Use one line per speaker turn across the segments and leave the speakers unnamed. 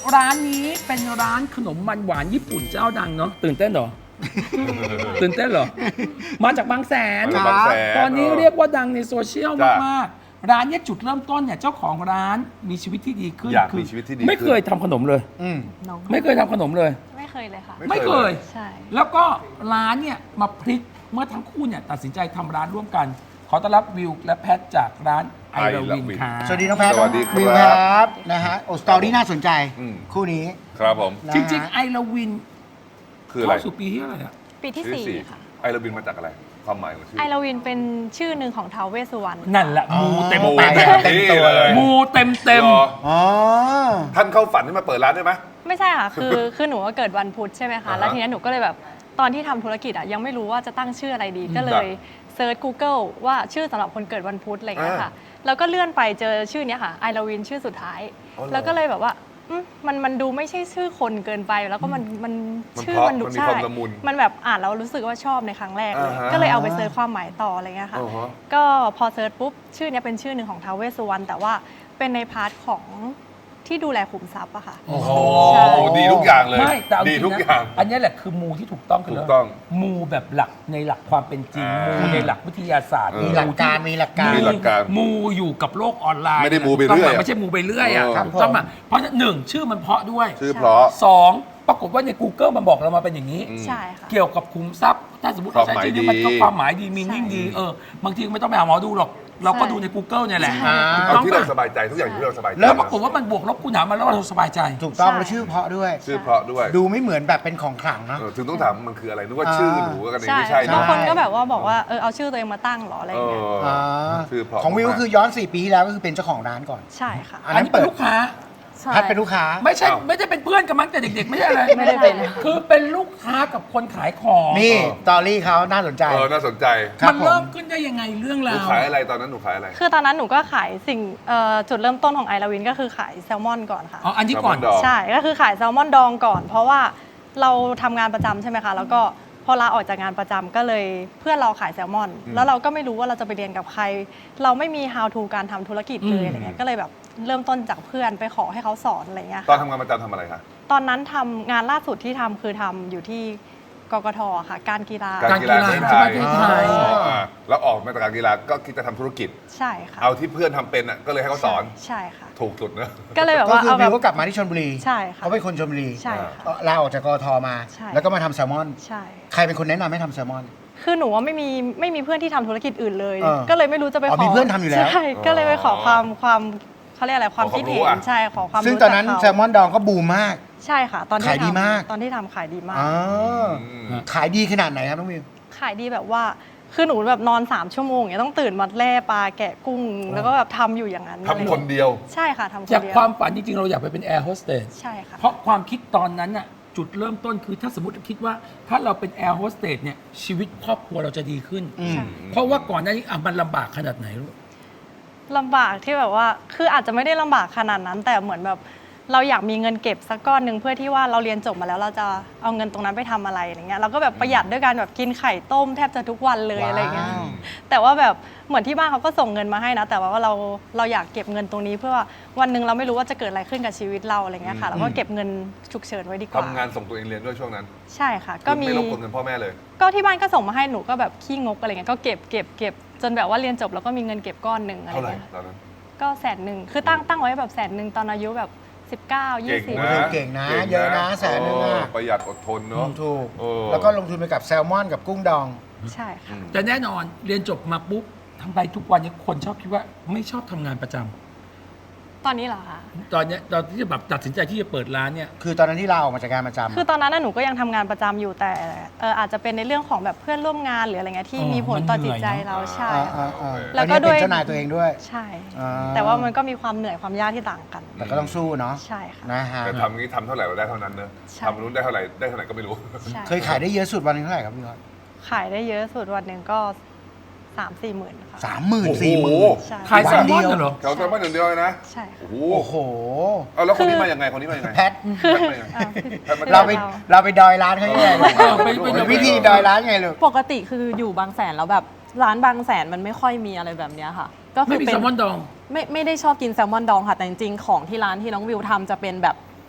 ร้านนี้เป็นร้านขนมมันหวานญี่ปุ่นเจ้าดังเนาะตื่นเต้นเหรอ ตื่นเต้นเหรอ มาจากบางแสน
มาจากบางแสน
ตอนนี้เรียกว่าดังในโซเชียล
จ้ะ
มากๆร้านเนี้ยจุดเริ่มต้นเนี่ยเจ้าของร้านมีชีวิตที่ดีขึ้น
อยากมีชีวิตที่ดี
ไม่เคยทำขนมเลย
น้อง
ไม่เคยทำขนมเลย
ไม่เคยเลยค่ะ
ไม่เคย
ใช่
แล้วก็ร้านเนี่ยมาพลิกเมื่อทั้งคู่เนี่ยตัดสินใจทำร้านร่วมกัน ขอต้อนรับวิวและแพทจากร้านไอราวินค่ะ
สวัสดีน้องแพท
สวัสดี
วิว
ค
ค
รั
รับ บนะฮะโอ้สตอรี่น่าสนใจ
อืม
คู่นี้
ครับผม
นะ
จ
ฮะ
ริงๆไอราวิน
คืออะไร
เข้าสู่ปีที่อะไหรอะ
ปีที่
ชื่อ
4 ค่ะ
ไอระบินมาจากอะไร ความหมายของชื่อ
ไอลาวินเป็นชื่อหนึ่งของท้าวเวสสุวรรณ
นั่นแหละมูเต็ม
โอ้
เต็ม
ยเต็มตัวเลย
มูเต็มเต็ม
หรอ
อ๋อ
ท่านเข้าฝันให้มาเปิดร้านได้ไหม
ไม่ใช่ค่ะ คือหนูว่าเกิดวันพุธใช่ไหมคะ
อ่าฮะ
แล้วทีนี้หนูก็เลยแบบตอนที่ทำธุรกิจยังไม่รู้ว่าจะตั้งชื่ออะไรดี ก็เลยเซิร์ช Google ว่าชื่อสำหรับคนเกิดวันพุธอะไรอย่างเงี้ยค่ะ แล้วก็เลื่อนไปเจอชื่อเนี้ยค่ะไอลาวินชื่อสุดท้าย
อ๋อเหรอ
แล้วก็เลยแบบว่ามันดูไม่ใช่ชื่อคนเกินไป แล้วก็มันชื่อ
เพราะ
มันดู
มันมี
ใช่
ความละมุน
มันแบบอ่านแล้วรู้สึกว่าชอบในครั้งแรกเลย
อ่าฮะ
ก็เลยเอาไปเซิร์ชความหมายต่ออะไรเงี้ยค่ะ
อ๋อฮะ
ก็พอเซิร์ชปุ๊บชื่อเนี้ยเป็นชื่อหนึ่งของท้าวเวสสุวรรณแต่ว่าเป็นในพาร์ทของที่ดูแลขุมทรัพย์อะค่ะ
โอ้โห
ใช่
ดีทุกอย่างเลย
ไม่แต่เอาจ
ดี
ริง
ทุก
นะ
อย่าง
อันนี้แหละคือมูที่ถูกต้องคื
ถูกต้อง
มูแบบหลักในหลักความเป็นจริง
อ่า
มูในหลักวิทยาศาสตร์
มีหลักการมีหลักการ
มีหลักการ
มูอยู่กับโลกออนไลน์
ไม่ได้มูไปเรื่อย
ถูกต้งหไม่ใช่มูไปเรื่อยอ่ะ
ครับ
ถูกต้องป่ะเพราะฉะนั้นหนึ่งชื่อมันเพราะด้วย
ชื่อเพราะ
สองปรากฏว่าใน Google มันบอกเรามาเป็นอย่างนี้
ใช่ค่ะ
เกี่ยวกับขุมทรัพย์ ถ้าสมมติเราใช้ชื่อนี้มันก็ความหมายดีมีนิ่งดีบางทีไม่ต้องไปหาหมอดูหรอก เราก็ดูใน Google เนี่ยแหละ
ใช่
ถูก
เอา
ต้อง
ที่เรา
ป่ะ
สบายใจทุกอย่างอยู่ที่เราสบายใจ
แล้วปรากฏว่ามันบวกลบคูณหารมาแล้วเราสบายใจ
ถูกต้อง
ใช่
แล้วชื่อเพราะด้วย
ชื่อเพราะด้วย
ดูไม่เหมือนแบบเป็นของขลังเนอะ
ถึงต้องถามมันคืออะไรนึกว่าชื่อหนูกันเอง
ใช่
ไม่ใช่
บาง
เนาะ
คนก็แบบว่าบอกว่าเอาชื่อตัวเองมาตั้งเหรออะไร
เอ
อย่างเงี้ย
อ
อ่า
ชื่อเพราะ
ของวิวก็คือย้อน 4 ปีที่แล้วก็คือเป็นเจ้าของร้านก่อน
ใช่ค่ะ
อัน
อัน
นั้น
นี้เป็
เปิ
น
ด
ลูกค้า
ใช่
แพทเป็นลูกค้า
ไม่ใช่ไม่ได้เป็นเพื่อนกันมั้งแต่เด็กๆ ไม่ใช่อะไร
ไม่ได้เป็น
คือเป็นลูกค้ากับคนขายของ
นี่สตอรี่เขาน่าสนใจ
น่าสนใจ
ครับ
มันเริ่ม
ผม
ขึ้นได้ยังไงเรื่อง
หนู
ราว
ขายอะไรตอนนั้นหนูขายอะไร
คือตอนนั้นหนูก็ขายสิ่งจุดเริ่มต้นของไอลาวินก็คือขายแซลมอนก่อนค่ะ
อ๋ออันนี้ก่อน
แซลมอนดอง
ใช่ก็คือขายแซลมอนดองก่อน เพราะว่าเราทำงานประจำใช่ไหมคะ แล้วก็พอลาออกจากงานประจำก็เลยเพื่อนเราขายแซลมอน แล้วเราก็ไม่รู้ว่าเราจะไปเรียนกับใคร เราไม่มี how to การทำธุรกิจเลยอะไรเงี้ยก็เลยแบบเริ่มต้นจากเพื่อนไปขอให้เขาสอนอะไรเงี้ย
ตอน
ค่ะ
ทำงานประจำทำอะไรคะ
ตอนนั้นทำงานล่าสุดที่ทำคือทำอยู่ที่กกทค่ะ การกีฬา
การกีฬา
ประ
ที่
เทศ
ประเทศไทย
แล้วออกมาจากการกีฬาก็คิดจะทำธุรกิจ
ใช่ค่ะ
เอาที่เพื่อนทำเป็นอ่ะก็เลยให้เขาสอน
ใช่ค่ะ
ถูกสุดเนอะ
ก็เลยแบบ
ก็
ว่า
คือ
เอาแบ
วิว
บ
ก็กลับมาที่ชลบุรี
ใช่ค่ะ
เขาเป็นคนชลบุรี
ใช่ค่ะ
ลาออกจากกทมา
ใช่
แล้วก็มาทำแซลมอน
ใช่
ใครเป็นคนแนะนำให้ทำแซลมอน
คือหนูว่าไม่มีเพื่อนที่ทำธุรกิจอื่นเลย
เออ
ก็เลยไม่รู้จะไป
อ๋อ
ขอ
มีเพื่อนทำอยู่แล้ว
ใช่ก็เลยไปขอความเขาเรียกอะไรความคิดเห็น
ขอความรู้อะ
ใช่ขอความรู้
ซึ่งตอนนั้น
จาก
แซลมอนดองก็บูมมาก
ใช่ค่ะ ตอนที่
ขายดีมาก
ตอนที่ทำขายดีมาก
อ๋อขายดีขนาดไหนครับน้องวิว
ขายดีแบบว่าคือหนูแบบนอน3 ชั่วโมงอย่างเงี้ยต้องตื่นมาแล่ปลาแกะกุ้ง แล้วก็แบบทำอยู่อย่างนั้น
ทำคนเดียว
ใช่ค่ะทำคน
จาก
เดียว
ความฝันจริงๆ เราอยากไปเป็นแอร์โฮสเตส
ใช่ค่ะ
เพราะความคิดตอนนั้นน่ะจุดเริ่มต้นคือถ้าสมมติคิดว่าถ้าเราเป็นแอร์โฮสเตสเนี่ยชีวิตครอบครัวเราจะดีขึ้น
ใช่
เพราะว่าก่อนหน้านี้มันลำบากขนาดไหนลูก
ลำบากที่แบบว่าคืออาจจะไม่ได้ลำบากขนาดนั้น แต่เหมือนแบบเราอยากมีเงินเก็บสักก้อนหนึ่งเพื่อที่ว่าเราเรียนจบมาแล้วเราจะเอาเงินตรงนั้นไปทำอะไรอย่างเงี้ยเราก็แบบประหยัดด้วยการแบบกินไข่ต้มแทบจะทุกวันเลย
ว้าว
อะไรเงี้ยแต่ว่าแบบเหมือนที่บ้านเขาก็ส่งเงินมาให้นะ แต่ว่าเราอยากเก็บเงินตรงนี้เพื่อว่าวันหนึ่งเราไม่รู้ว่าจะเกิดอะไรขึ้นกับชีวิตเราอะไรเงี้ยค่ะเราก็เก็บเงินฉุกเฉินไว้ดีกว่า
ทำงานส่งตัวเองเรียนด้วยช่วงนั้น
ใช่ค่ะ ก็มี
ไม่รบกวนเงินพ่อแม่เลย
ก็ที่บ้านก็ส่งมาให้หนูก็แบบขี้งกอะไรเงี้ยก็เก็บจนแบบว่าเรียนจบแล้วก็มีเงินเก็บก้อนหนึ่งอะไร
เท่าไหร่
เงี้ย
ตอนนั้น
ก็100,000คือตั้งไว้แบบ100,000ตอนอายุแบบ19
เก่ง
20
นะ
เก่งนะเยอะนะแสนนึงอะ
ประหยัดอดทนเนาะ
ถูก
เออ
แล้วก็ลงทุนไปกับแซลมอนกับกุ้งดอง
ใช่ค่ะ
แต่แน่นอนเรียนจบมาปุ๊บทำไปทุกวันนี้คนชอบคิดว่าไม่ชอบทำงานประจำ
ตอนนี้เหรอคะ
ตอนที่จะแบบตัดสินใจที่จะเปิดร้านเนี่ย
คือตอนนั้นที่ลาออกมาจากการประจำ
คือตอนนั้นน่ะหนูก็ยังทำงานประจำอยู่แต่อาจจะเป็นในเรื่องของแบบเพื่อนร่วมงานหรืออะไรเงี้ยที่มีผลต่อจิตใจเราใช่ แล้
แล้ว ว
ก็
ก็
ด้
ด้
ว
วย ยเป็นเจ้านายตัวเองด้วย
ใช่
อ่า
แต่ว่ามันก็มีความเหนื่อยความยากที่ต่างกัน
แต่ก็ต้องสู้เนาะ
ใช่ค่ะ
นะฮะ
แต่ทำงี้ทำเท่าไหร่เราได้เท่านั้นเนอะ
ใช่
ทำนู้นได้เท่าไหร่ก็ไม่รู้
ใช่
เคยขายได้เยอะสุดวันหนึงเท่าไหร่ครับพี่ยอด
ขายได้เยอะสุดวันหนึ่งก็3-4 หมื่นค่ะ
30,000-40,000
ใช่
ขายแซลมอน
วันเดียว
เหรอ
แถวแซลมอนอย่างเดียวเลยนะ
ใช่ค่ะ
โอ้โห
โอ้โห
เอาแล้วคนนี้มายังไงคนนี้มายังไง
แพท
แพทมายังไง แพทมา
เราไปดอยร้านเขายังไงลูก
ไป
วิธีดอยร้านไงลูก
ปกติคืออยู่บางแสนแล้วแบบร้านบางแสนมันไม่ค่อยมีอะไรแบบเนี้ยค่ะ ก็คื
ไม่
อ
มี
เป็
แซ
น
ลมอนดอง
ไม่ได้ชอบกินแซลมอนดองค่ะ แต่จริงๆของที่ร้านที่น้องวิวทำจะเป็นแบบ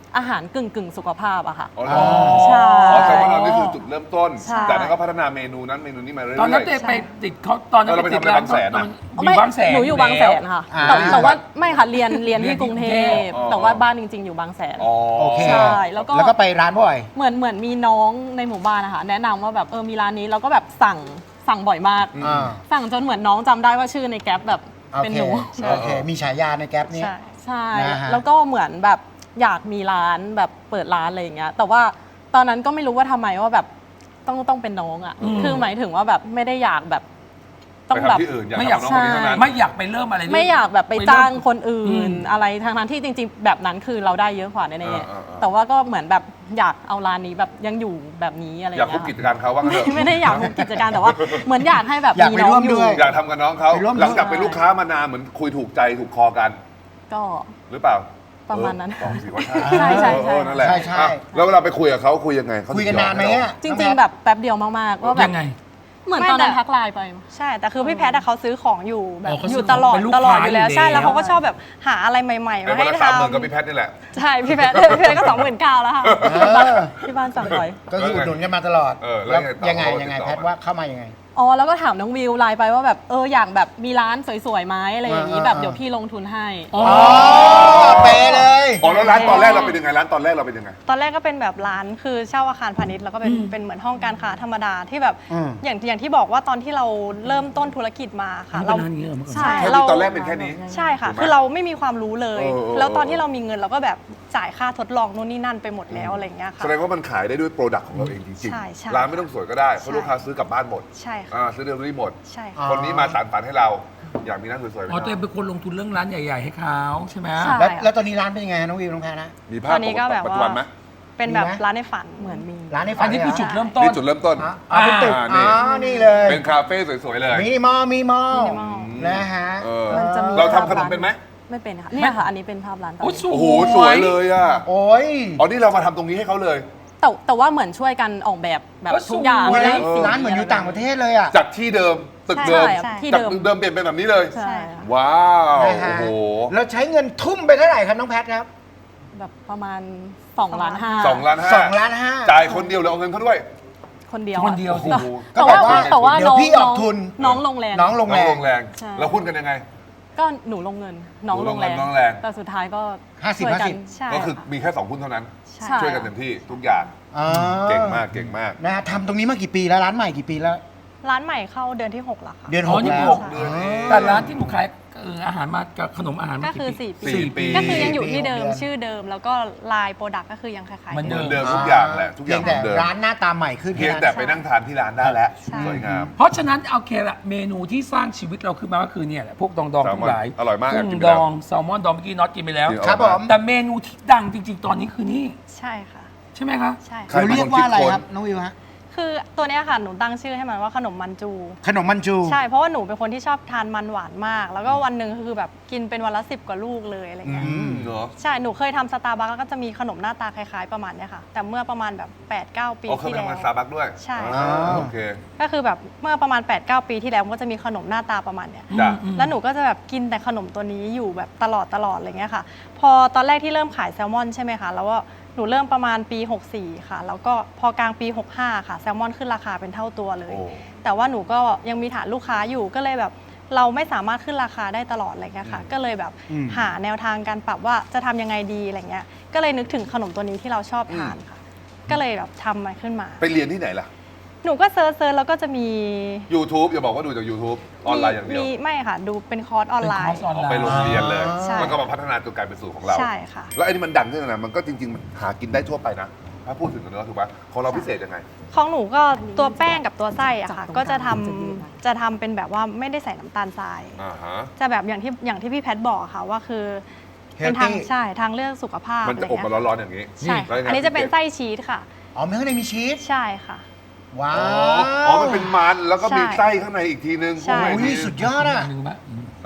อาหารกึ่งสุขภาพอะค่ะ
อ๋อเหรอ
ใช่
อ๋อแซลมอนเรานี่คือจุดเริ่มต้น
ใช่
จากนั้นก็พัฒนาเมนูนั้นเมนูนี้มาเรื่อยๆ
ตอนนั้นเต้ไปติดเขาตอนนั้น
เราไปทำอะไรบางแสนอะ
อยู่บางแสน
หนูอยู่บางแสนค่ะ
อ่า
แต่ว่าไม่ค่ะเรียน
เรียน
ที่กรุงเทพ
อ๋อ
แต่ว่าบ้านจริง ๆ อยู่บางแสน
อ๋อ
โอเค
ใช่แล้วก็
ไปร้านบ่อย
เหมือนมีน้องในหมู่บ้านนะคะแนะนำว่าแบบมีร้านนี้เราก็แบบสั่งบ่อยมาก
อ่า
สั่งจนเหมือนน้องจำได้ว่าชื่อในแก๊ปแบบ
โอ
เป็น
เค
หนู
โอเค มีฉายาในแก๊ปนี้
ใช่
ใช่
นะฮะ
แล้วก็เหมือนแบบอยากมีร้านแบบเปิดร้านอะไรอย่างเงี้ยแต่ว่าตอนนั้นก็ไม่รู้ว่าทำไมว่าแบบต้องเป็นน้องอ่ะคือหมายถึงว่าแบบไม่ได้อยากแบบต้
ไป
องแบบ
ทำที่อื่นอยาก
ไม่อยาก
ทำน้องคนนี้เท่านั้น
ไม่อยากไปเริ่มอะไรด้วย
ไม่อยากแบบไปจ้างคนอื่
อื
น
ม
อะไรทางนั้นที่จริง ๆ แบบนั้นคือเราได้เยอะกว่าแน่
อ่า
ๆแต่ว่าก็เหมือนแบบอยากเอาร้านนี้แบบยังอยู่แบบนี้อะไรอ
อยาก
ย่าง
คุ
เงี้
บ
ย
กิจการเขาว่างั้นเถอะ
ไม่ได้อยากคุบกิจการแต่ว่าเหมือนอยากให้แบบ
อยาก
มี
ไป
น้อ
ร่ว
ง
ม
อ
ด้
ยู่
วย
อยากทำกับน้องเขา
ไปร่วม
หลังจากเป็นลูกค้ามานานเหมือนคุยถูกใจถูกคอกัน
ก็
หรือเปล่า
ประมาณนั้น
บอกสิว่า
ใช่ใช่ใช่
นั่นแหละ
ใช่ใช่
อ่ะแล้วเวลาไปคุยกับเขาคุยยังไงเข
คุยกันนานไหม
ถึงยอ
อะ
จริง ๆ แบบแป๊บเดียวมากๆว่าแบ
ยั
บ
งไง
เหมือน
ไม่
ตอนนั้น
แต่
ทักไลน์ไป
ใช่ แต่คือพี่แพทย์อะเขาซื้อของอยู่แบบ
อ๋อเขา
อ
ซื้
ยู่
อ
ตลอด
เป็นลูก
ตลอด
ค้า
อยู่แล้ว
อยู่
ใช่
แล้ว
แล้วเขาก็ชอบแบบหาอะไรใหม่ ๆ
เป็น
มา
วัน
ให้
ละ
ท
30,000ก็พี่แพทย์นี่แหละ
ำใช่พี่แพทย์ก็29,000แล้วค่ะ
เออ
ที่บ้านสั่งบ่อย
ก็คืออุดหนุนกันมาตลอด
แล้ว
ยังไง
ยังไงต่อ
แพทว่าเข้ามายังไง
อ๋อแล้วก็ถามน้องวิวไลน์ไปว่าแบบอยากแบบมีร้านสวยๆไหมอะไรอย่างนี้
อ่า
แบบเดี๋ยวพี่ลงทุนให้
อ๋อ
อ๋อเป๊ะเลย
อ๋อแล้วร้านตอนแรกเราเป็นยังไงร้านตอนแรกเราเป็นยังไง
ตอนแรกก็เป็นแบบร้านคือเช่าอาคารพาณิชย์แล้วก็เป็นเหมือนห้องการค้าธรรมดาที่แบบ
อืม
อย่างที่บอกว่าตอนที่เราเริ่มต้นธุรกิจมาค่ะ
เรา
เรา
เป็นร้านอย่างนี้เหรอเมื่อก่อน
ใช่
แค่
เรา
ตอนแรกเป็นแค่นี้
ใช่ค่ะ
ถูกไหม
คือเราไม่มีความรู้เลย
เออ
แล้วตอนที่เรามีเงินเราก็แบบจ่ายค่าทดลองนู่นนี่นั่นไปหมดแล้วอะไรอย่างเงี้ยค่ะ
แสดงว่ามันขายได้ด้วยโปรดักต์ของเราเองจริง
ใช่ใช่
ร้านไม่ต้องสวยก็ได้เพราะ
ใช่
ลูกค้าซื้อกลับบ้านหมด
ใช่ค่ะ
ซื้อเดลิเวอรี่หมด
ใช่
อ๋อ
ค่ะ
คนนี้มาสานฝันให้เรา อยากมีร้านสวยๆไหม
อ๋อตัวเองเป็นคนลงทุนเรื่องร้านใหญ่ๆให้เขาใช่ไหม
ใช่
แล้วตอนนี้ร้านเป็นยังไงน้องวิวน้องแพทนะ
มีภาพ
ตอนนี้ก็แบบ
ปัจจุบันไหม
เป็นแบบ
มีไหม
ร้านในฝัน
เหมือนมี
ร้านในฝั
อั
น
นนี้คือจุด
ใช่
เริ่มต้น
นี่จุดเริ่มต้น
อ๋อเป็นตึก
นี่
อ๋อนี่เลย
เป็นคาเฟ่สวยๆเลย
มินิมอล
minimal
นะฮะ
เออ
มันจะมี
เราทำขนมเป็นไหม
ไม่เป็นค่ะเนี่ยค่ะ อันนี้เป็นภาพร้านตอน
โอ้
นี้
สวย
โอ้โหสวยเลยอ่ะ
โอ้ย
อ๋อนี่เรามาทำตรงนี้ให้เขาเลย
แต่ว่าเหมือนช่วยกันออกแบบแบบ
ก็สวย
ทุกอย่าง
โอ้ย
ให้สี
ร้านเหมือนอยู่ต่างประเทศเลยอ่ะ
จากที่เดิมตึก
ใช่
เดิม
ใช่ที่
จาก
เดิม
ตึกเดิมเปลี่ยนเป็นแบบนี้เลย
ใช่ค่ะ
ว้าว
นะฮะ
โอ้โห
แล้วใช้เงินทุ่มไปเท่าไหร่ครับน้องแพทครับ
แบบประมาณ2.5 ล้าน
2 ล้านห้า
2 ล้าน 5
จ่ายคนเดียวหรือเอาเงินเขาด้วย
คนเดียว
คนเดียว
โอ้โห
แต่ว่า
ก็แบบว่า
แต่ว่า
เดี๋ยว
น้อง
พี่ออกทุน
น้องลงแรง
น้องลง
น้
แร
อง
ง
ลงแรง
ใช่
แล้วหุ้นกันยังไง
ก็หนูลงเงิน น้อง
หนู
ล
ล
ง
ง
แร
เงิ
ง
นน้องแรง
แต่สุดท้ายก็
50
ช่วยกัน
ใช่
ก็คือ
ค่ะ
มีแค่2หุ้นเท่านั้น
ใช่
ช่วยกันเต็มที่ทุกอย่าง
อ๋อ
เก่งมากเก่งมาก
นะฮะทำตรงนี้มากี่ปีแล้วร้านใหม่กี่ปีแล้ว
ร้านใหม่เข้าเดือนที่ 6 แล้วค่ะ
เดือน
อ๋อ
6
นี่
แล้ว
หก
เดือนเอง
แต่ร้านที่หนูขายอาหารมากับขนมอาหารมา
ก็คือ
กี่ปี
4 ปี
สี่ปี
ก็คือยังอยู่ที่เดิม
4 ปี
ชื่อเดิม แล้วก็ลายโปรดักต์ก็คือยังคล้ายๆ
เหมือน
เห
เดิ
มื
ม
อนเดิมทุกอย่างแหละทุกอ
เพี
ย่าย ง
ง
เหมื
แต่
อนเดิม
ร้านหน้าตาใหม่ขึ้น
เพียงแต่ไปนั่งทานที่ร้านได้แล้ว
ใช่
สวยงาม
เพราะฉะนั้นโอเคละเมนูที่สร้างชีวิตเราขึ้นมาก็คือเนี่ยแหละพวกดองๆทั้งหลาย
อร่อยมาก
กุ้
กิ
ง
นไป
ด
แล้ว
องแซลมอนดองเมื่อกี้น็อตกินไปแล้ว
ครับผม
แต่เมนูที่ดังจริง ๆ ตอนนี้คือนี่
ใช่ค่ะ
ใช่ไหมคะ
ใช่
ใคร
ค่ะ
เราเรียกว่าอะไรครับน้องวิวฮะ
คือตัวเนี้ยค่ะหนูตั้งชื่อให้มันว่าขนมมันจู
ขนมมันจู
ใช่เพราะว่าหนูเป็นคนที่ชอบทานมันหวานมาก แล้วก็วันหนึ่งคือแบบกินเป็นวันละ10 กว่าลูกเลยอะไรเงี้ย
เหรอ
ใช่หนูเคยทำสตาร์บัคแล้วก็จะมีขนมหน้าตาคล้ายๆประมาณเนี้ยค่ะ แต่เมื่อประมาณแบบ 8-9 ปี
อ๋อเคย
ที่
ไป
แล้ว
ทำงานซาบักด้วย
ใช่
อ่าโอเค
ก็คือแบบเมื่อประมาณ 8-9 ปีที่แล้วมันก็จะมีขนมหน้าตาประมาณเนี้ย
จ้ะ
แล้วหนูก็จะแบบกินแต่ขนมตัวนี้อยู่แบบตลอดอะไรเงี้ยค่ะ พอตอนแรกที่เริ่มขายแซลมอนใช่ไหมคะแล้วก็หนูเริ่มประมาณปี 64 ค่ะ แล้วก็พอกลางปี 65 ค่ะแซลมอนขึ้นราคาเป็นเท่าตัวเลย
โอ้
แต่ว่าหนูก็ยังมีฐานลูกค้าอยู่ก็เลยแบบเราไม่สามารถขึ้นราคาได้ตลอดอะไรเงี้ยค่ะ ก็เลยแบบหาแนวทางการปรับว่าจะทำยังไงดีอะไรเงี้ยก็เลยนึกถึงขนมตัวนี้ที่เราชอบทานค่ะ ก็เลยแบบทำมันขึ้นมา
ไปเรียนที่ไหนล่ะ
หนูก็เซิร์ชแล้วก็จะมี
YouTube อย่าบอกว่าดูจาก YouTube ออนไลน์อย่างเดียว
มีไม่ค่ะ ดูเป็นคอร์สออนไล
เป็นคอร์
น์
สออนไลน์
ไปโรงเรียนเลย
ใช่
มันก็มาพัฒนาจนกลายเป็นสูตรของเรา
ใช่ค่ะ
แล้วไอ้นี่มันดังขึ้นนะมันก็จริงๆมันหากินได้ทั่วไปนะ ถ้าพูดถึงเนื้อถูกปะของเราพิเศษยังไง
ของหนูก็ตัวแป้งกับตัวไส้อะค่ะ
จับตรง
ก็จะ
ก
ทำ
ลางมันจะยืดหน่อย
จะทำเป็นแบบว่าไม่ได้ใส่น้ำตาลทราย
อ่าฮะ
จะแบบอย่างที่พี่แพทบอกอะค่ะว่าคือเป็นทาง
Healthy
ใช่ทางเลือกสุขภาพ
มันจะอบมา
ไรเงี้ย
ร้อนๆอย่างนี้
ใช่
แล้วยังไง
อันนี้จะเป็นไส้ชีสค่ะ
อ๋อไม่ข้างในมีชีส
ใช่ค่ะ
ว้า
อ๋อ
ว
อ๋อ มันเป็นมันแล้วก็มี
ใช่
ไส้ข้างในอีกทีนึง
ใช่
ข้างใน
อุ้ย
อีกที
สุดยอดอ่ะ
หนึ่งปะ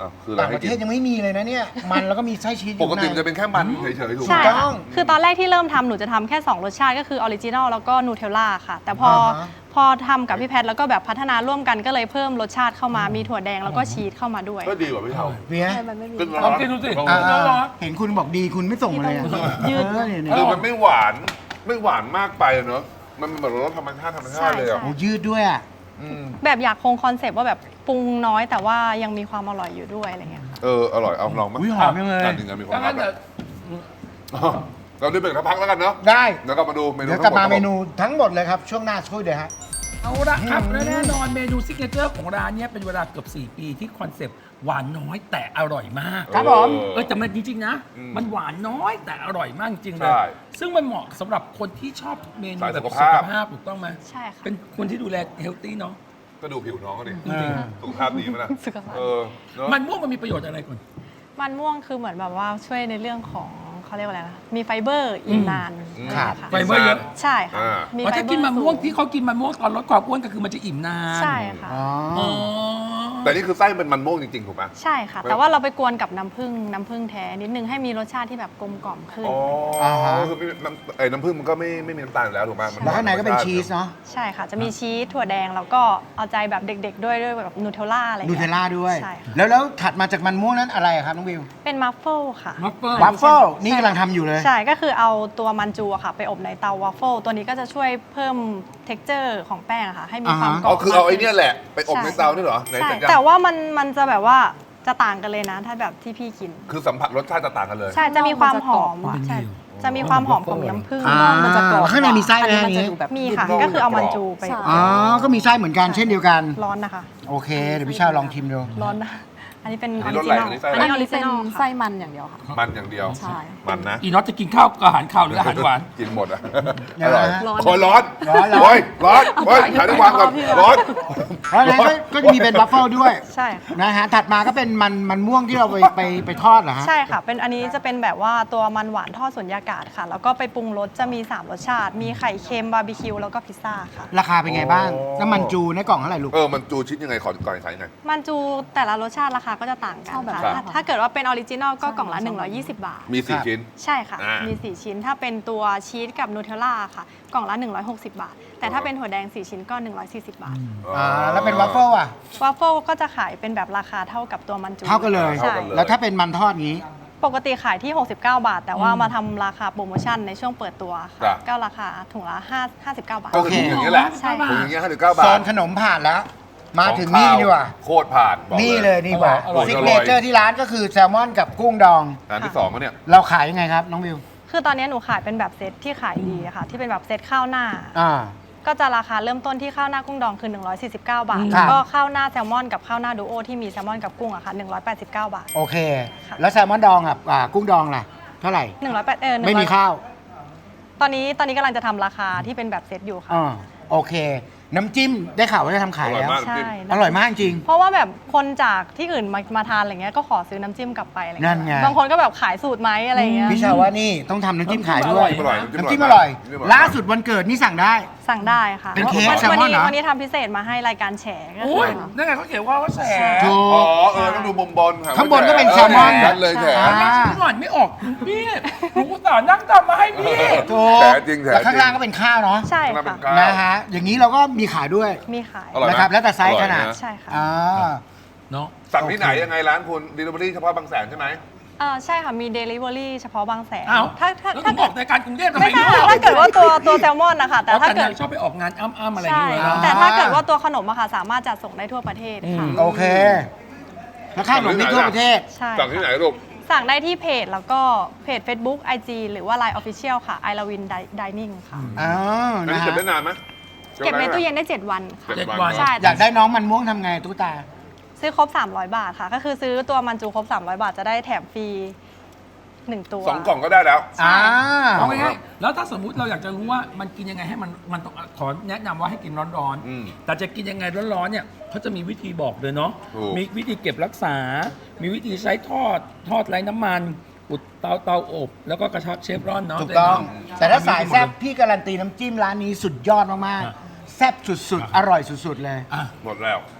อ้าวคืออะไร
ต่าง
ให้
ประ
กิ
เทศ
น
ยังไม่มีเลยนะเนี่ย มันแล้วก็มีไส้ชีสอยู่
ปกติ
ข้าง
มันจะเป็นแค่มันเฉยๆถูกไหม
ใช่
ต้
ค่ะ
อง
คือตอนแรกที่เริ่มทำหนูจะทำแค่ 2 รสชาติก็คือออริจินอลแล้วก็นูเทลล่าค่ะ แต่พอ
อ่าฮะ
พอทำกับพี่แพทย์แล้วก็แบบพัฒนาร่วมกันก็เลยเพิ่มรสชาติเข้ามามีถั่วแดงแล้วก็ชีสเข้ามาด้วย
ก็ดีกว่าพี่เท่า
เบียร์
ใช่มันไม่มี
ขึ้น
ลองกินดูสิ
ลอง
อ่า
ดู
เห็นคุณบอกดีคุณไม่ส่งมาเลยอะ
ยืด
เนี่ย
คือมันไม่หวานมากไปอะเนอะมันเหมือนรสธรรมชาติเลยอ่ะ
โอ้ยืดด้วยอ่ะ
อืม
แบบอยากคงคอนเซปต์ว่าแบบปรุงน้อยแต่ว่ายังมีความอร่อยอยู่ด้วยอะไรเงี้ยค่ะ
อร่อยเอาลองมั้
อุ้ยหอมจังเลย
การถึงกันมีความ
ดัง
ลั
นั้
บ
นเดี๋ยว
เราได้เบรกสักพักแล้วกันเนาะ
ได้
แล้วก็มาดูเมนู
เดี๋ยวกลับมา
ทั้งห
เม
ด
นูทั้งหมดเลยครับ ช่วงหน้าสักครู่เดี๋ยวฮะ
เอาละครับและแน่นอนเมนูซิกเนเจอร์ของร้านเนี้ยเป็นเวลาเกือบ4 ปีที่คอนเซปต์หวานน้อยแต่อร่อยมาก
ครับผม
แต่มันจริงๆนะ
อืม
มันหวานน้อยแต่อร่อยมากจริงๆเล
ใช่
ยซึ่งมันเหมาะสำหรับคนที่ชอบเมนู
สาย
แบบ
สุ
สุ
ข
ข
ภาพ
ภาพถูกต้องไหม
ใช่ค่ะ
เป็นคนที่ดูแลเฮลตี้เนาะ
ก็ดูผิวน้องก็ดิ
จริง
สุขภาพดีไหมล่ะ
สุขภาพ
เออเนอะ
มันม่วงมันมีประโยชน์อะไรก่อน
มันม่วงคือเหมือนแบบว่าช่วยในเรื่องของเขาเรียกว่าอะไรนะมีไฟเบอร์อิ่มนาน
อืม
อะไรอย่าง
ครั
เงี้
บ
ยค่ะ
ไฟเบอร์เยอะ
ใช่ค่ะ
อ่า
มี
อ๋อ
ไฟ
ถ้า
เบอร์
กินมันม่วง
สู
ที่เขากินมันม่วงตอนลดความอ้วนก็คือมันจะอิ่มนาน
ใช่ค่ะ
อ๋อ
อ๋อ
แต่นี่คือไส้เป็นมันม่วงจริงๆถูกไหม
ใช่ค่ะ แต่ว่าเราไปกวนกับน้ำผึ้งแท้นิดนึงให้มีรสชาติที่แบบกลมกล่อมขึ้น
อ๋อ
อ่าฮะ
คือน้ำผึ้งมันก็ไม่มีน้ำตาลอยู่แล้วถูกไหมมั
แล้วข้างในก็เป็นชีสเนาะ
ใช่ค่ะ จะมีชีสถั่วแดงแล้วก็เอาใจแบบเด็กๆด้วยแบบนูเทลล่าอะไร
นู
เงี้ย
เทลล่าด้วย
ใช่ค่ะ
แล้วถัดมาจากมันม่วงนั้นอะไรอะครับน้องวิว
เป็นมัฟเฟิลค่ะ
มัฟเฟิล
วัฟเฟิลนี่กำลังทำอยู่เลย
ใช่ ก็คือเอาตัวมันจูอะค่ะ ไปอบในเตาวัฟเฟิลตัวนี้ก็จะช่วยเพิ่ม t e x t อร์ของแป้งอะค่ะ ให้มีความกร
อ๋
อ
อบ คือเอาไอ้เนี่ยแหละ ไปอบใน
ใช่
เตานี่เหรอไหน
ใช่
จัดยัง
แต่ว่ามันจะแบบว่าจะต่างกันเลยนะ ถ้าแบบที่พี่กิน
คือสัมผัสรสชาติจะต่างกันเลย
ใช่ จะมีความหอม
มันจะกรอบ
ใช่ จะมีความหอมของน้ำผึ้ง
อ่า
มันจะกรอบ
ข้างในมีไส้ไหม
อันนี้มันจะ
อันนี้
ดูแบบ
มีค่ะ
นอก
ก็คือเอามัน
จะกรอบ
จูไป
ใช่
อ๋อ ก็มีไส้เหมือนกันเช่นเดียวกัน
ร้อนนะคะ
โอเค เดี๋ยวพี่ชาวลองชิมดู
ร้อนนะ อันนี้เป็นอ
อั
อน
นี้
ริ
รส
จิ
อะไร
นอล
อันนี้ไส้อะไร
อันนี้ออริจิ
เป็น
นอล
ไส้
ค่ะ
มันอย่างเดียวค่ะ
มันอย่างเดียว
ใช่
มันนะ
อีน็อตจะกินข้าวกับอาหารข้าวหรืออาหารหวาน
กินหมดอ่ะ
ยั
อง
ไง
ร่อย
ฮะ
โอ้ยร้อน
ร้อน
โอ้ยร้อนโอ้ยถ่ายได้วางก่อนร้อน
เพราะฉะนั้นก็จะมีเป็นบัฟเฟิลด้วย
ใช่ค่ะ
นะฮะ ถัดมาก็เป็นมันม่วงที่เราไปทอดเหรอฮะ
ใช่ค่ะ เป็นอันนี้จะเป็นแบบว่าตัวมันหวานทอดสุญญากาศค่ะ แล้วก็ไปปรุงรสจะมี 3 รสชาติ มีไข่เค็มบาร์บีคิวแล้วก็พิซซ่าค่ะ
ราคาเป็นไงบ้าง
โอ้
น้ำมันจูในกล่องเท่าไหร่ลูก
มันจูชิดยังไงก่อนขายยังไง
มันจูแต่ละรสชาติราคาก็จะต่างกัน
ชอบแบบ
ค่ะ
ครับ
ถ้าเกิดว่าเป็นออริจินอลก็กล่องละ 120 บาท
มี
ครับ
4 ชิ้น
ใช่ค่ะ
อ่ามี
มี 4 ชิ้น ถ้าเป็นตัวชีสกับนูเทลล่าค่ะ กล่องละ 160 บาท แต่ถ้าเป็นถั่วแดง 4 ชิ้นก็ 140 บาท
แล้วเป็นวัฟเฟิลอ่ะ
วาฟเฟิลก็จะขายเป็นแบบราคาเท่ากับตัวมันจู
เท่ากันเลย
ใช่
แล้วถ้าเป็นมันทอดงี้
ปกติขายที่ 69 บาท แต่ว่ามาทำราคาโปรโมชั่นในช่วงเปิดตัว
ครั
ค่ะ
บ
ก็ราคาถุงละ59 บาท
ก็คือถุงอย่างนี้ยแหละ
ใช่
ถุงอย่างเงี้ย59 บา
โซ
ท
นขนมผ่านแล้ว มาถึงนี่ดีกว่า
โคตรผ่านบอก
นี่เลยดีกว่า
อร่อย
ซิกเนเจอร์ที่ร้านก็คือแซลมอนกับกุ้งดอง
ร้านที่2ก็เนี่ย
เราขายยังไงครับน้องวิว
คือตอนนี้หนูขายเป็นแบบเซตที่ขายดีอะค่ะ ที่เป็นแบบเซตข้าวหน้า
อ่า
ก็จะราคาเริ่มต้นที่ข้าวหน้ากุ้งดองคือ 149 บาท
ครั
แล้
บ
วก็ข้าวหน้าแซลมอนกับข้าวหน้าดูโอที่มีแซลมอนกับกุ้งอะค่ะ189 บาท
โอเค
ค่ะ
แล้วแซลมอนดองกับกุ้งดองล่ะ เท่าไหร่
108
ไม่มีข้าว
ตอนนี้กำลังจะทำราคาที่เป็นแบบเซตอยู่ค่ะ
อ่าโอเค น้ำจิ้มได้ข่าวว่าจะทำขายแล้ว
อร่อยมาก
ใช่
อร่อยมากจริง
เพราะว่าแบบคนจากที่อื่นมาทานอะไรเงี้ยก็ขอซื้อน้ำจิ้มกลับไปอะไร
นั่
เงี้
นไง
ยบางคนก็แบบขายสูตรไหมอะไรเงี้ย
พี่ชาวว่านี่ต้องทำน้ำจิ้มขายด้วย
อร่อย
น้ำจิ้มอร่อย ล่าสุดวันเกิดนี่สั่งได้
สั่งได้ค่ะ
เป็นเค้ก
วั
แซลมอนเหรอ
วันนี้ทำพิเศษมาให้รายการแฉก็คื
โอ้ย
อ
นั่นไงเขาเขียนว่าแส
ถู
อ๋อก ต้องดูมุมบน
ข้างบนก็เป็นแซลมอน
นั่นเลยแฉ
อ่า
ฉันอ่านไม่ออกพี่หนูอุตส่าห์นั่งทำมาให้พี่
ถูก
แฉจริงแฉ
แล้วข้าง
จริง
ล่างก็เป็นข้าวเนาะ
ใช่
ข้างหน้าเป็
ค่ะ
นข้าว
นะฮะ อย่างนี้เราก็มีขายด้วย
มีขาย
อร่อยไหม
นะครับ แล้วแต่ไซส์ขนาด
อร่อยนะ
ใช่ค่ะ
อ่า
เนาะ
สั่งที่ไหนยังไงร้านคุณ delivery เฉพาะบางแสนใช่ไหม
ใช่ค่ะมี Delivery เฉพาะบางแสน
อ้าว
ถ้า
แล้วคุณบอกในการกรุงเทพทำไม
ไม่ใช่
รู้
ค่ะถ้าเกิดว่าตัวแซลมอนนะคะแต่
แต่
ถ้า
ถ้า
เกิ
เกิ
ด
ดชอบไปออกงานอ้ำๆอะไรอย่าง
ใช่
เงี้ยเนาะ
แต่ถ้าเกิดว่าตัวขนมอะค่ะสามารถจัดส่งได้ทั่วประเทศค่ะ
โอเค แล้วข้าวหนมนี่ทั่วประเทศ
ใช่
สั่งที่ไหนลูก
สั่งได้ที่เพจแล้วก็เพจ Facebook IG หรือว่า Line Official ค่ะ I Love Win Dining ค่ะ
อ๋อ
อัน
นะ
นี้เก็บ
ฮะ
ได้นานไหม
เก็บในตู้เย็นได้ 7 วันค่ะ
เจ็ด
วัน
ใช่
อยากได้น้องมันม่วงทำไงตุ๊กตา
ซื้อครบ 300 บาทค่ะ ก็คือซื้อตัวมันจูครบ 300 บาทจะได้แถมฟรี 1 ตัว
2 กล่องก็ได้แล้ว
อ่า
เอาง่ายๆแล้วถ้าสมมุติเราอยากจะรู้ว่ามันกินยังไงให้มันต้องขอแนะนำว่าให้กินร้อน
อืม
ๆ แต่จะกินยังไงร้อนๆเนี่ยเขาจะมีวิธีบอกเลยเนาะ
ถูก
มีวิธีเก็บรักษา มีวิธีใช้ทอดไร้น้ำมันอุดเตาอบ แล้วก็กระชับเชฟรอนเนาะ
ถูกต้อง
เนาะ
แต่ถ้าสายแซ่บพี่การันตีน้ำจิ้มร้านนี้สุดยอดมาก
อ่ะ
ๆ แซ่บสุดๆ อร่อยสุดๆ เลย
อ่ะ
หมดแล้ว
จ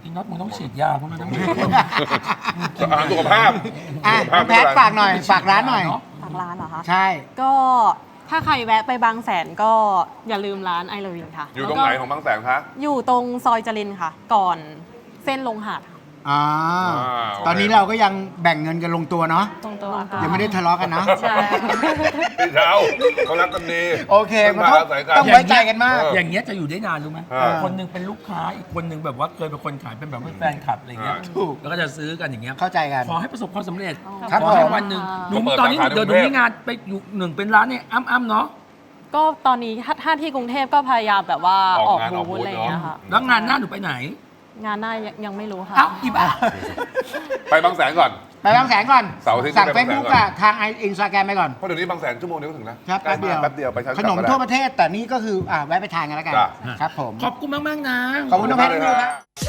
อีน็อตมึงต้องฉีดยาเพราะมันต้อง
อาหารสุขภาพ
อ่ะ
สุขภาพ
แพทฝากหน่อย ฝากร้านหน่อย
ทางร้านเหรอคะ
ใช่
ก็ถ้าใครแวะไปบางแสนก็อย่าลืมร้านไอลวินค่ะ
อยู่ตรงไหนของบางแสนคะ
อยู่ตรงซอยจริญค่ะ ก่อนเส้นลงหาดค่ะ
อ่า
โอเค
ตอนนี้เราก็ยังแบ่งเงินกันลงตัวเนาะ
ตรงตัวค่ะ
ยังไม่ได้ทะเลาะกันนะ
ใช่
พี่เช้าเขารักกันดี
โอเค
มั
มัน น
มา
ต้อง
อาศัยกัน
ต้องไว้ใจกันมาก
อย่างเงี้ยจะอยู่ได้นานรู้ไหม
อ่า
คนหนึงเป็นลูกค้าอีกคนหนึงแบบว่าเคยเป็นคนขายเป็นแบบว่าแฟนคลับอะไรเงี้ย
ถูก
แล้วก็จะซื้อกันอย่างเงี้ย
เข้าใจกัน
ขอให้ประสบความสำเร็จ
ครับ
ขอให้
ผม
วันหนึ่งหนู
เปิด
ตอนนี้
สาขาใน
เดี๋ยวหนู
กรุงเทพ
มีงานไปอยู่หนึ่งเป็นร้านเนี่ยอ้ำๆเนาะ
ก็ตอนนี้ถ้าที่กรุงเทพก็พยายามแบบว่า
อ
อ
อ
อก ก
งานออก
บู
บู
ธ
ธ
อะไรอย่างเงี้ยค่ะ
แล้วงานหน้าหนูไปไหน
งานหน้ายังไม่รู้ค่ะ
เอ้าอีบ้า
ไปบางแสนก่อน
ไปบางแสนก่อน
เสาร์อาทิตย์
สั่ง
ไป
เฟ
บางแสน
ซบุ๊ก
ก่อน
อะทางอินสตาแกรมไปก่อน
เพราะเดี๋ยวนี้บางแสนชั่วโมงเดียวก็ถึงแล้ว
ครับ
ใกล้
แป๊บเดียว
มากแป๊บเดียวไปเช้า
ขนม
กลับ
ทั่ว
ได้
ประเทศ แต่นี่ก็คือแวะไปทานกันแล้วกัน
จ้ะ
ครับผม
ขอบคุณมากๆนะ
ขอบคุณน้องแพทย์ด้วยครับ
บ